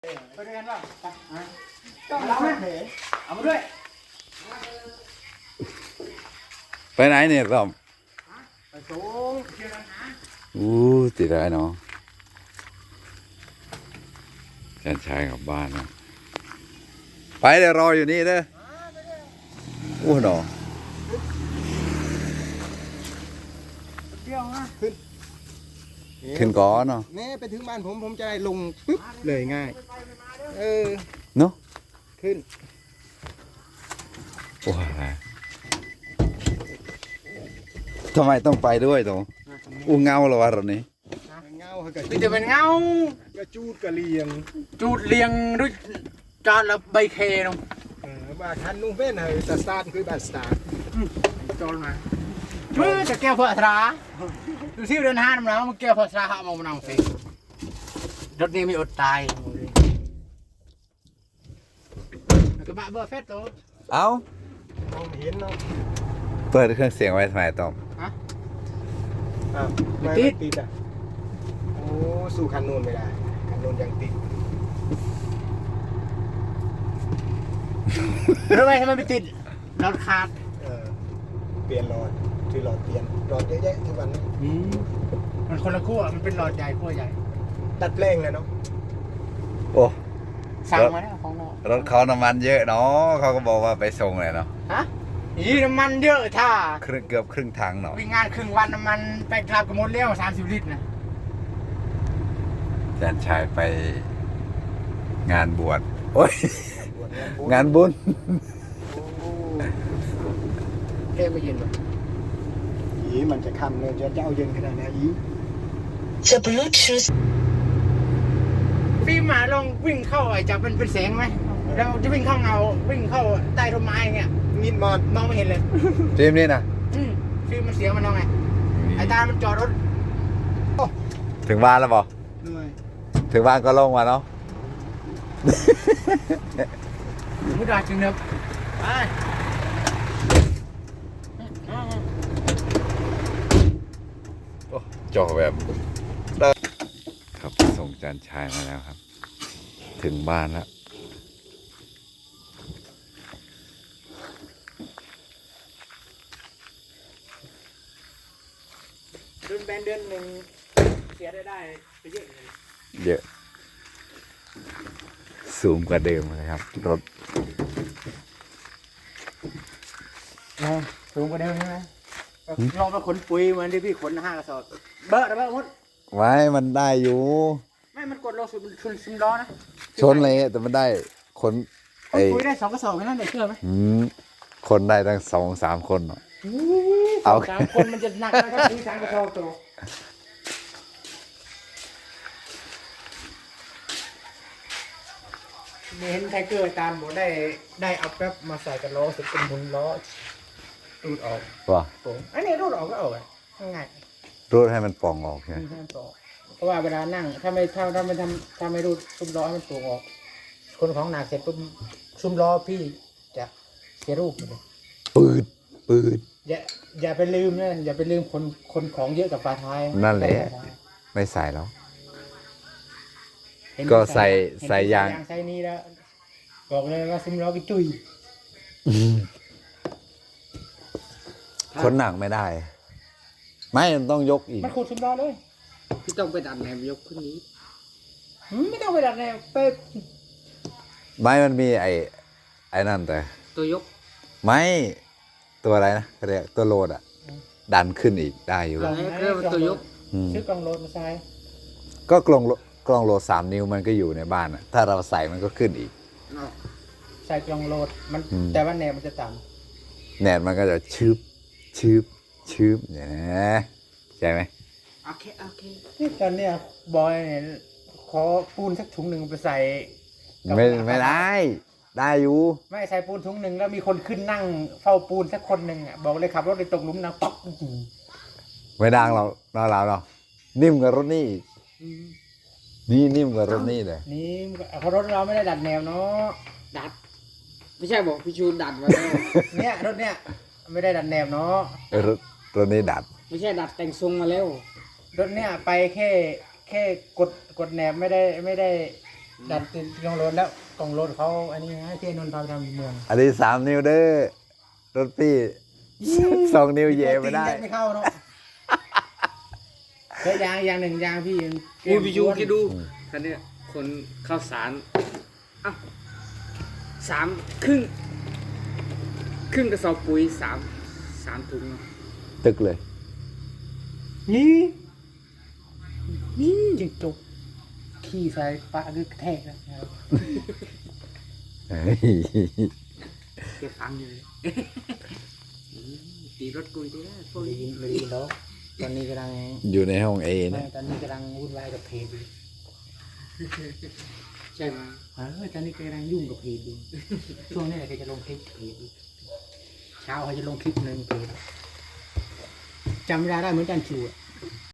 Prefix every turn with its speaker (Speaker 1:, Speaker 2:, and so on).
Speaker 1: ไปด้วยกันป่ะไปต้องรับไหมเอามาด้วย
Speaker 2: ไปไหนเนี่ยต้อม
Speaker 1: ไปสูงเชียร์นะ
Speaker 2: ติดได้เนาะแฟนชายกลับบ้านนะไปเดี๋ยวรออยู่นี่เด้อหนอ
Speaker 1: เที่ยวนะ
Speaker 2: ขึ้นก่อนเนาะ
Speaker 1: แม่ไปถึงบ้านผมจะได้ลงปึ๊บเลยง่าย
Speaker 2: เนาะ
Speaker 1: ขึ้น
Speaker 2: ว้าทำไมต้องไปด้วยตรงเงาเหรอวะตอนนี้
Speaker 1: เงาเกิดจะเป็นเงากระจูดกระเลียงด้วยจานละใบเคน้องบ้านทันนุ่งเป็นเลยสตาร์ทคือบ้านสตาร์ทจอลมาช่วยจะแก้วพระธราดูซิเดินห้างแล้วมันแก้วพระธราหามองมันเอาสิรถนี้มีอดตายกระบะเบอร์เฟสตัว
Speaker 2: เอา
Speaker 1: มองเห็นเนาะ
Speaker 2: เปิดเครื่องเสียงไว้ทำไมต้อม
Speaker 1: ไม่ติดอ่ะโอ้สู้คันนูนไม่ได้คันนูนยังติดทำไมไม่ติดรถขาดเปลี่ยนหลอดที่หลอดเปลี่ยนหลอดเยอะแยะทุกวันนี้มันคนละขั้วมันเป็นหลอดใหญ่ขั้วใหญ่ดัดแปลงเลยเนาะ
Speaker 2: โอ้
Speaker 1: สั่งมาแล้วของเรา
Speaker 2: รถเขาน้ำมันเยอะเนาะเขาก็บอกว่าไปส่งเลยเนาะ
Speaker 1: ฮะน้ำมันเยอะท่า
Speaker 2: เกือบครึ่งถังเนาะ
Speaker 1: วิ่งงานครึ่งวันน้ำมันไปกลับกับมดเลี้ยว30 ลิตรนะ
Speaker 2: แฟนชายไปงานบวชโอ้ยงานบุญ
Speaker 1: เท่ไม่เย็นหรอมันจะค่ำเลยจะเอาเย็นขนาดไหนจะบลูทูธฟิล์มลองวิ่งเข้าจะเป็นแสงไหมเราจะวิ่งเข้าเงาวิ่งเข้าใต้ต้นไม้เงี้ยมิดมองไม่เห็นเลย
Speaker 2: ฟิล์มนี่นะ
Speaker 1: ฟิล์มมันเสียมันน้องไงไอ้ตามันจอดรถ
Speaker 2: ถึงบ้านแล้วบอกถึงบ้านก็ลงมาเนาะ
Speaker 1: ไม่ได้จึงเนบไป
Speaker 2: จอแบบครับส่งจานชายมาแล้วครับถึงบ้านแล้ว
Speaker 1: เดือนหนึ่งเสียได้ไปเยอะเลย
Speaker 2: เยอะสูงกว่าเดิมเลยครับรถ
Speaker 1: สูงกว่าเดิมใช่ไหมลองไปขนปุ๋ยเหมือนที่พี่ขน5 กระสอบเบอะมด
Speaker 2: ไว้มันได้อยู่
Speaker 1: ไม่มันกดลงสุดมันชนล้อนะ
Speaker 2: ชนเลยแต่มันได้คน
Speaker 1: ปุ๋ยได้2 กระสอบแค่นั้นเลยเชื่อไหม
Speaker 2: คนได้ตั้ง2-3 คน
Speaker 1: เอา3 คนมันจะหนักนะครับปุ๋ย3 กระสอบตัวเห็นไทเกอร์ตามบอกได้เอาแป๊บมาใส่กับล้อสุดเป็นหมุนล้อรูดออก
Speaker 2: ว่ะ
Speaker 1: อันนี้รูดออกก็ออกง่าย
Speaker 2: รูดให้มันป่องออกใช่ไหม
Speaker 1: เพราะว่าเวลานั่งถ้าไม่รูดซุ้มล้อให้มันป่องออกคนของหนักเสร็จปุ๊บซุ้มล้อพี่จะเสียรูปเลย
Speaker 2: ปืด
Speaker 1: อย่าไปลืมนะอย่าไปลืมคนของเยอะกับฝาท้าย
Speaker 2: นั่นแหละไม่ใส่แล้วก็ใส่ยาง
Speaker 1: ใส่นี้แล้วบอกเลยว่าซุ้มล้อไปจุย
Speaker 2: คนหนักไม่ได้ไม่มันต้องยกอีก
Speaker 1: มันขุดซุ้มล้อเลยพี่ต้องไปดัดแนวยกขึ้นนี้ไม่ต้องไปดัดแนวไป
Speaker 2: ไม่มันมีไอ้นั่นแต่
Speaker 1: ตัวยก
Speaker 2: ไม่ตัวอะไรนะเรียกตัวโหลดดันขึ้นอีกได้อยู่แล้ว
Speaker 1: เรียกว่าตัวยกซื้อกล่องโหลดมาใส่
Speaker 2: ก็กล่องโหลด3 นิ้วมันก็อยู่ในบ้านถ้าเราใส่มันก็ขึ้นอีก
Speaker 1: ใส่กล่องโหลดมันแต่ว่าแนวมันจะต่
Speaker 2: ำแนวมันก็จะชืบเนี่ยใช่ไหม
Speaker 1: โอเคที่ตอนเนี้ยบอยเนี่ยขอปูนสักถุงหนึ่งไปใส่
Speaker 2: ไม่ได้อยู่
Speaker 1: ไม่ใส่ปูนถุงหนึ่งแล้วมีคนขึ้นนั่งเฝ้าปูนสักคนหนึ่งบอกเลยขับรถไปตกหลุมนะป๊อก
Speaker 2: ไม่ดังเรานิ่มกว่ารถนี่นี่นิ่มกว่ารถนี่เลย
Speaker 1: นี่เพราะรถเราไม่ได้ดัดแนวเนาะดัดไม่ใช่บอกพี่ชูนดัดไว้เนี่ยรถเนี่ยไม่ได้ดัดแนวเนาะ
Speaker 2: รถนี้ดัด
Speaker 1: ไม่ใช่ดัดแต่งทรงมาแล้วรถเนี่ยไปแค่กดแนวไม่ได้ดันติดกองรถแล้วกองรถเขาอันนี้ให้เทนนท์พาไปทำเมือง
Speaker 2: อันนี้3 นิ้วเด้อรถพี่ 2 นิ้วเย่ไม่ได้
Speaker 1: ไม่เข้าเนาะแล้วยางหนึ่งยางพี่
Speaker 3: อุ้ยพี่ยูคิดดูคันเนี้ยคนข้าวสารอ้าว3 ครึ่งกระสอบปุ๋ย3 ถุง
Speaker 2: ตึกเลย
Speaker 1: นี่จิงจกขี่ใส่ปะคือกระแทกนะ
Speaker 2: เฮ้ย
Speaker 3: แกฟังอยู่เลยตีรถกุยได้แล้วพวก
Speaker 1: ไม่
Speaker 3: นี้
Speaker 1: ได้ยินแล้วตอนนี้กำลัง
Speaker 2: อยู่ในห้องเอ
Speaker 1: ไม่
Speaker 2: นะ
Speaker 1: ตอนนี้กำลังวุ่นวายกับเพจอยู่
Speaker 3: ใช่ไหม
Speaker 1: ตอนนี้กำลังยุ่งกับเพจอยู่ช่วงนี้แหละเขาจะลงคลิปเพจอยู่เช้าเขาจะลงคลิปหนึ่งเพจจำไม่ได้เหมือนกันชู